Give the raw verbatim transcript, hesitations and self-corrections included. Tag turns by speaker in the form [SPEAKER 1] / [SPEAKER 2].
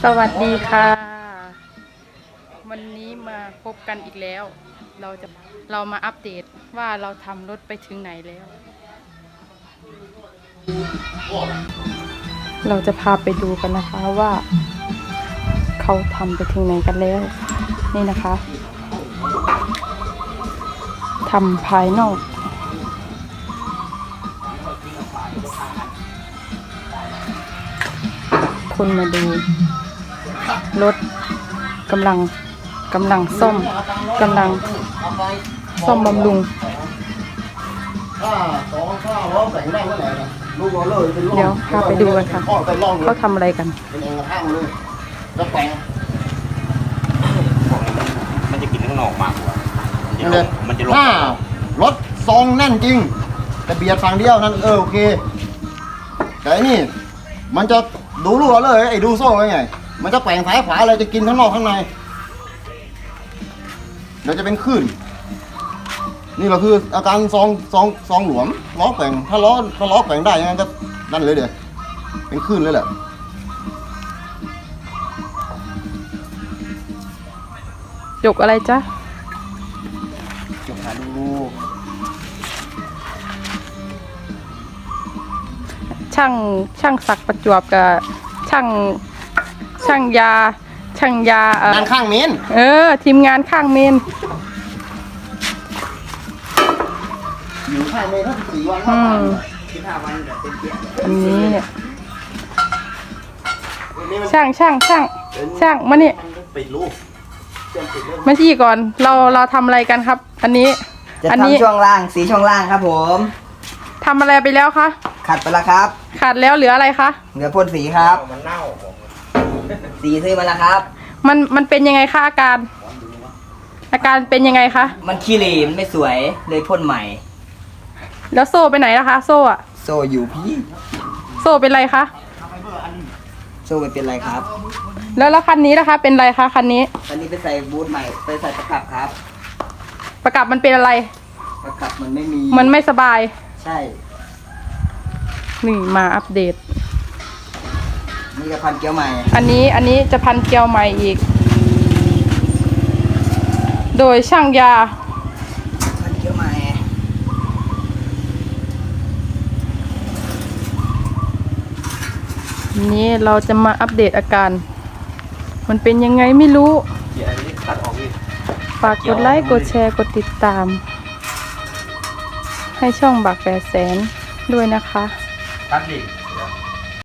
[SPEAKER 1] สวัสดีค่ะวันนี้มาพบกันอีกแล้วเราจะเรามาอัปเดตว่าเราทำรถไปถึงไหนแล้วเราจะพาไปดูกันนะคะว่าเขาทำไปถึงไหนกันแล้วนี่นะคะทำภายนอกคนมาดูรถกำลังกำลังซ่อมกำลังซ่อมบำรุงเดี๋ยวพาไปดูกันค่ะเขาทำอะไรกัน
[SPEAKER 2] มันจะกินข้างนอกมากกว่ามันจะลง
[SPEAKER 3] ถ้ารถซองแน่นจริงแต่เบียดฝั่งเดียวนั่นเออโอเคแต่อันนี้มันจะดูรั่วเลยไอ้ดูโซ่ไว้ไงมันจะแกว่งซ้ายขวาเลยจะกินข้างนอกข้างในเดี๋ยวจะเป็นคลื่นนี่เราคืออาการซองซองซองหลวมล้อแกว่งถ้าล้อถ้าล้อแกว่งได้ยังไงก็นั่นเลยเดี๋ยวเป็นคลื่นเลยแหละ
[SPEAKER 1] จกอะไรจ๊ะ
[SPEAKER 3] จบหาดู
[SPEAKER 1] ช่างช่างศักดิ์ประจวบกับช่างช่างยาช่างยาเออ
[SPEAKER 3] ด้านข้างเมน
[SPEAKER 1] เออทีมงานข้างเมน
[SPEAKER 3] อยู่ข้างเมนถ้าสี่วัน
[SPEAKER 1] อื
[SPEAKER 3] มาก
[SPEAKER 1] ม
[SPEAKER 3] สิบห้าวันเดี๋ยวเป็นเตี้ย
[SPEAKER 1] อันนี้เนี่ยช่างช่างช่างช่างมานี่
[SPEAKER 3] ปิดรูเตรียมปิดเลย
[SPEAKER 1] มาที่ก่อนเราเราทำอะไรกันครับ อันนี้
[SPEAKER 4] จะ
[SPEAKER 1] อันี้
[SPEAKER 4] ทำช่วงล่างสีช่วงล่างครับผม
[SPEAKER 1] ทำอะไรไปแล้วคะ
[SPEAKER 4] ขัดไปแล้วครับ
[SPEAKER 1] ขาดแล้วเหลืออะไรคะ
[SPEAKER 4] เหลือพ่นสีครับ
[SPEAKER 3] มันเน่า
[SPEAKER 4] สีซื้อมาแล้วครับ
[SPEAKER 1] มันมันเป็นยังไงคะอาการ อาการเป็นยังไงคะ
[SPEAKER 4] มันขี้เหร่มันไม่สวยเลยพ่นใหม่
[SPEAKER 1] แล้วโซ่ไปไหนล่ะคะโซ่อะ
[SPEAKER 4] โซ่อยู่พี่
[SPEAKER 1] โซ่เป็นไรคะ
[SPEAKER 4] โซ่ไม่เป็นไรครับ
[SPEAKER 1] แล้วแล้วคันนี้นะคะ เป็นไรคะคันนี้
[SPEAKER 4] อันนี้ไปใส่บูทใหม่ไปใส่ประกับครับ
[SPEAKER 1] ประกับมันเป็นอะไร
[SPEAKER 4] ประกับมันไม่มี
[SPEAKER 1] มันไม่สบาย
[SPEAKER 4] ใช่
[SPEAKER 1] นี่มาอัปเดต
[SPEAKER 4] นี่กับพันเกี๊ยวใหม่
[SPEAKER 1] อันนี้อันนี้จะพันเกลียวใหม่อีก โดยช่างยา
[SPEAKER 4] พันเกี๊ยวใหม่
[SPEAKER 1] นี้เราจะมาอัปเดตอาการ มันเป็นยังไงไม่รู้
[SPEAKER 2] เดี๋ยวอันนี้ตัดออกดิ
[SPEAKER 1] ฝากกดไลค์ กดแชร์ กดติดตาม ให้ช่องบักแปดแสนด้วยนะคะ
[SPEAKER 2] ตัดดิ